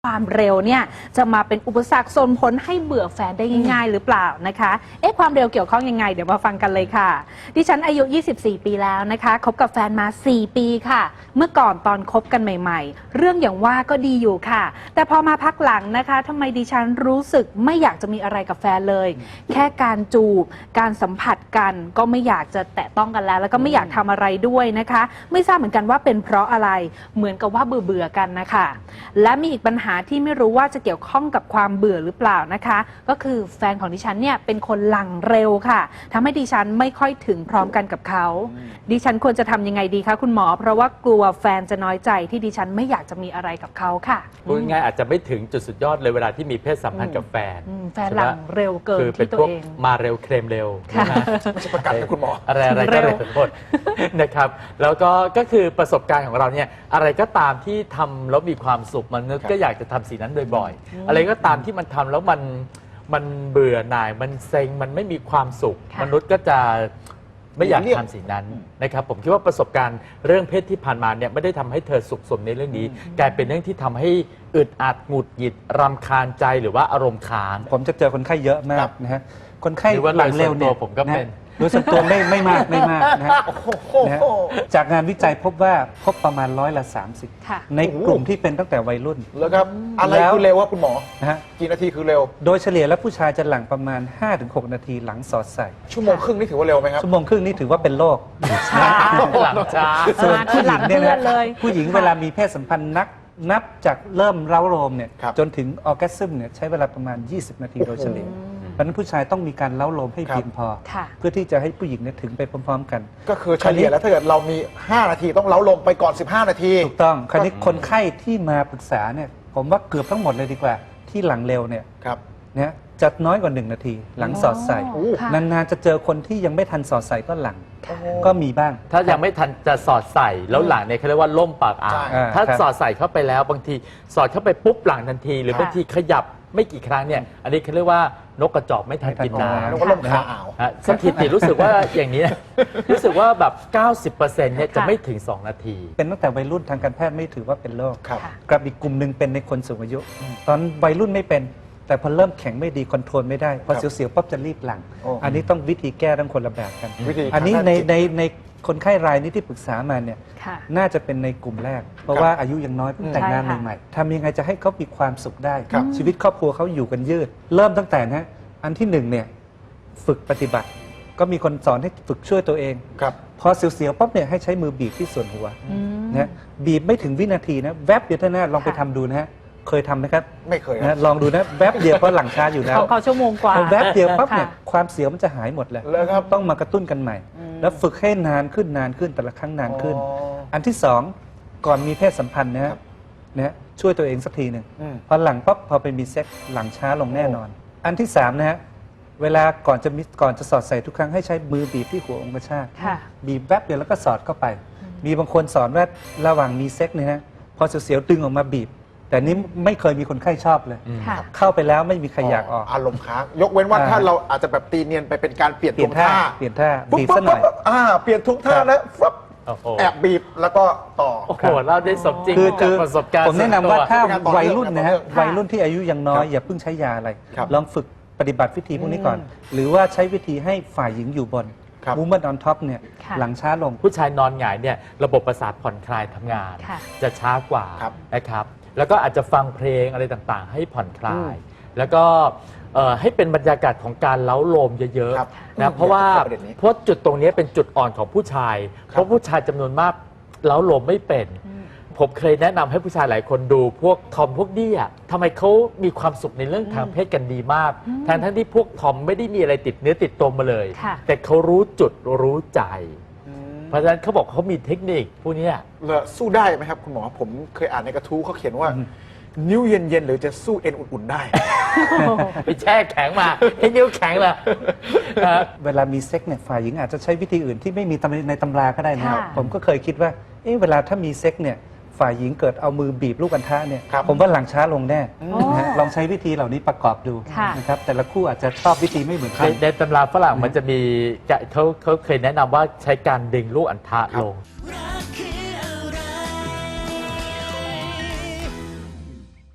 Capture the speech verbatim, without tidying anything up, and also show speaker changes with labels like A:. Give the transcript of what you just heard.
A: ความเร็วเนี่ยจะมาเป็นอุปสรรคส่งผลให้เบื่อแฟนได้ง่ายๆหรือเปล่านะคะเอ๊ะความเร็วเกี่ยวข้องยังไงเดี๋ยวมาฟังกันเลยค่ะดิฉันอายุยี่สิบสี่ปีแล้วนะคะคบกับแฟนมาสี่ปีค่ะเมื่อก่อนตอนคบกันใหม่ๆเรื่องอย่างว่าก็ดีอยู่ค่ะแต่พอมาพักหลังนะคะทำไมดิฉันรู้สึกไม่อยากจะมีอะไรกับแฟนเลยแค่การจูบการสัมผัสกันก็ไม่อยากจะแตะต้องกันแล้วแล้วก็ไม่อยากทำอะไรด้วยนะคะไม่ทราบเหมือนกันว่าเป็นเพราะอะไรเหมือนกับว่าเบื่อๆกันนะคะและมีอีกปัญหาที่ไม่รู้ว่าจะเกี่ยวข้องกับความเบื่อหรือเปล่านะคะก็คือแฟนของดิฉันเนี่ยเป็นคนหลังเร็วค่ะทำให้ดิฉันไม่ค่อยถึงพร้อมกันกับเขาดิฉันควรจะทำยังไงดีคะคุณหมอเพราะว่ากลัวแฟนจะน้อยใจที่ดิฉันไม่อยากจะมีอะไรกับเขาค่ะ
B: พูดง่ายอาจจะไม่ถึงจุดสุดยอดเลยเวลาที่มีเพศสัมพันธ์กับแฟน
A: แฟนหลังเร็วเกินที่ตัวเอง
B: มาเร็วเคลมเร็ว
C: ไม่ใช่ประกันนะคุณหมอ
B: อะไรอะไรก็เร็วหมดนะครับแล้วก็ก็คือประสบการณ์ของเราเนี่ยอะไรก็ตามที่ทำแล้วมีความสุขมันก็อยากจะทำสิ่งนั้นบ่อยๆอะไรก็ตามที่มันทำแล้วมันมันเบื่อหน่ายมันเซ็งมันไม่มีความสุขมนุษย์ก็จะไม่อยากทำสิ่งนั้นนะครับผมคิดว่าประสบการณ์เรื่องเพศที่ผ่านมาเนี่ยไม่ได้ทำให้เธอสุขสมในเรื่องนี้กลายเป็นเรื่องที่ทำให้อึดอัดหงุดหงิดรำคาญใจหรือว่าอารมณ์ค้าง
D: ผมจะเจอคนไข้เยอะมากนะฮะคนไข้หลังเร็วเนี่ย
B: ผมก็เป็น
D: โดยส่วนตัวไม่ไม่มากไม่มากนะฮะจากงานวิจัยพบว่าพบประมาณร้อยละสามสิบในกลุ่มที่เป็นตั้งแต่วัยรุ่น
C: แล้วครับอะไรคือเร็ววะคุณหมอ
D: นะฮะ
C: กี่นาทีคือเร็ว
D: โดยเฉลี่ยแล้วผู้ชายจะหลังประมาณ ห้าถึงหก นาทีหลังสอดใส่
C: ชั่วโมงครึ่งนี่ถือว่าเร็วไหมครับ
D: ชั่วโมงครึ่งนี่ถือว่าเป็นโรค
A: ช้า
B: หลังช้า
D: ส่วนผู้หญิงเนี่ยนะผู้หญิงเวลามีเพศสัมพันธ์นักนับจากเริ่มเร้าโรมเนี่ยจนถึงออร์แกซึมเนี่ยใช้เวลาประมาณยี่สิบนาทีโดยเฉลี่ยเพราะนั้นผู้ชายต้องมีการเล้าโลมให้เพียงพอเพื่อที่จะให้ผู้หญิงเนี่ยถึงไปพร้อมๆกัน
C: ก็คือเฉลี่ยแล้วถ้าเกิดเรามีห้านาทีต้องเล้าโลมไปก่อนสิบห้านาที
D: ถูกต้องคราวนี้คนไข้ที่มาปรึกษาเนี่ยผมว่าเกือบทั้งหมดเลยดีกว่าที่หลังเร็วเนี่ยเนี่ยจะน้อยกว่าหนึ่งนาทีหลังสอดใส่นานๆจะเจอคนที่ยังไม่ทันสอดใส่ก็หลังก็มีบ้าง
B: ถ้ายังไม่ทันจะสอดใส่แล้วหลังเนี่ยเขาเรียกว่าล่มปากอ่างถ้าสอดใส่เข้าไปแล้วบางทีสอดเข้าไปปุ๊บหลังทันทีหรือบางทีขยับไม่กี่ครั้งเนี่ยอันนี้เขาเรียกว่านกกระจอกไม่ทันกินน้ำ
C: นกกระล่มขาอ่าว
B: สถิติรู้สึกว่าอย่างนี้รู้สึกว่าแบบ เก้าสิบเปอร์เซ็นต์ เนี่ยจะไม่ถึงสองนาที
D: เป็นตั้งแต่วัยรุ่นทางการแพทย์ไม่ถือว่าเป็นโรคกับอีกกลุ่มหนึ่งเป็นในคนสูงอายุตอนวัยรุ่นไม่เป็นแต่พอเริ่มแข็งไม่ดีคอนโทรลไม่ได้พอเสียวๆปั๊บจะรีบหลังอันนี้ต้องวิธีแก้ทั้งคนละแบบกันอันนี้ในในในคนไข้รายนี้ที่ปรึกษามาเนี่ยน่าจะเป็นในกลุ่มแรกเพราะว่าอายุยังน้อยเพิ่งแต่งงานใหม่ๆทำยังไงจะให้เขามีความสุขได้ชีวิตครอบครัวเขาอยู่กันยืดเริ่มตั้งแต่นะอันที่หนึ่งเนี่ยฝึกปฏิบัติก็มีคนสอนให้ฝึกช่วยตัวเองพอเสียวๆปั๊บเนี่ยให้ใช้มือบีบที่ส่วนหัวนะบีบไม่ถึงวินาทีนะแวบเดียวเท่านั้นลองไปทำดูนะฮะเคยทำไหมครับ
C: ไม่เคย
D: นะลองดูนะแวบเดียวเพราะหลังช้าอยู่แล้ว
A: เขาชั่วโมงกว่า
D: แวบเดียวปั๊บเนี่ยความเสียวมันจะหายหมดเลยต้องมากระตุ้นกันใหม่แล้วฝึกให้นานขึ้นนานขึ้นแต่ละครั้งนานขึ้นอันที่สองก่อนมีเพศสัมพันธ์นะฮะนะช่วยตัวเองสักทีหนึ่งพอหลังปั๊บพอไปมีเซ็กหลังช้าลงแน่นอนอันที่สามนะฮะเวลาก่อนจะมีก่อนจะสอดใส่ทุกครั้งให้ใช้มือบีบที่หัวองคชาตบีบแวบเดียวแล้วก็สอดเข้าไปมีบางคนสอนว่าระหว่างมีเซ็กเนี่ยฮะพอเสียวๆดึงออกมาบีบแต่นี้ไม่เคยมีคนไข้ชอบเลยเข้าไปแล้วไม่มีใครอยากออก
C: อารมณ์ค้างยกเว้นว่าถ้าเราอาจจะแบบตีเนียนไปเป็นการเปลี่ยนท่า
D: เปลี่ยนท่าบีบซะหน่อย
C: เปลี่ยนทุกท่าแล้วแอบบีบแล้วก็ต่อ
B: โอ้โหเราได้สมจริง
D: จาก
B: ประสบการณ์
D: ผมแนะนำว่าถ้าวัยรุ่นนะฮะวัยรุ่นที่อายุยังน้อยอย่าเพิ่งใช้ยาอะไรลองฝึกปฏิบัติวิธีพวกนี้ก่อนหรือว่าใช้วิธีให้ฝ่ายหญิงอยู่บนมูเมนต์ออนท็อปเนี่ยหลังช้าลง
B: ผู้ชายนอนหงายเนี่ยระบบประสาทผ่อนคลายทำงานจะช้ากว่านะครับแล้วก็อาจจะฟังเพลงอะไรต่างๆให้ผ่อนคลายแล้วก็ให้เป็นบรรยากาศของการเล้าโลมเยอะๆนะเพราะว่าเพราะจุดตรงนี้เป็นจุดอ่อนของผู้ชายเพราะผู้ชายจำนวนมากเล้าโลมไม่เป็นผมเคยแนะนำให้ผู้ชายหลายคนดูพวกทอมพวกดี้อ่ะทำไมเขามีความสุขในเรื่องทางเพศกันดีมากทั้งทั้งที่พวกทอมไม่ได้มีอะไรติดเนื้อติดตัวมาเลยแต่เขารู้จุดรู้ใจเพราะฉะนั้นเขาบอกเขามีเทคนิคพวกนี้
C: แล้วสู้ได้ไหมครับคุณหมอผมเคยอ่านในกระทู้เขาเขียนว่านิ้วเย็นๆหรือจะสู้เอ็นอุ่นๆได้
B: ไปแช่แข็งมาให้นิ้วแข็งเลย
D: เวลามีเซ็กเนี่ยฝ่ายหญิงอาจจะใช้วิธีอื่นที่ไม่มีในตำราก็ได้นะครับผมก็เคยคิดว่าเอ๊ะเวลาถ้ามีเซ็กเนี่ยฝ่ายหญิงเกิดเอามือบีบลูกอัณฑะเนี่ยผมว่าหลังช้าลงแน่ลองใช้วิธีเหล่านี้ประกอบดูนะครับแต่ละคู่อาจจะชอบวิธีไม่เหมือนกัน
B: ในตำราฝรั่งมันจะมีเขาเขาเคยแนะนำว่าใช้การดึงลูกอัณฑะลง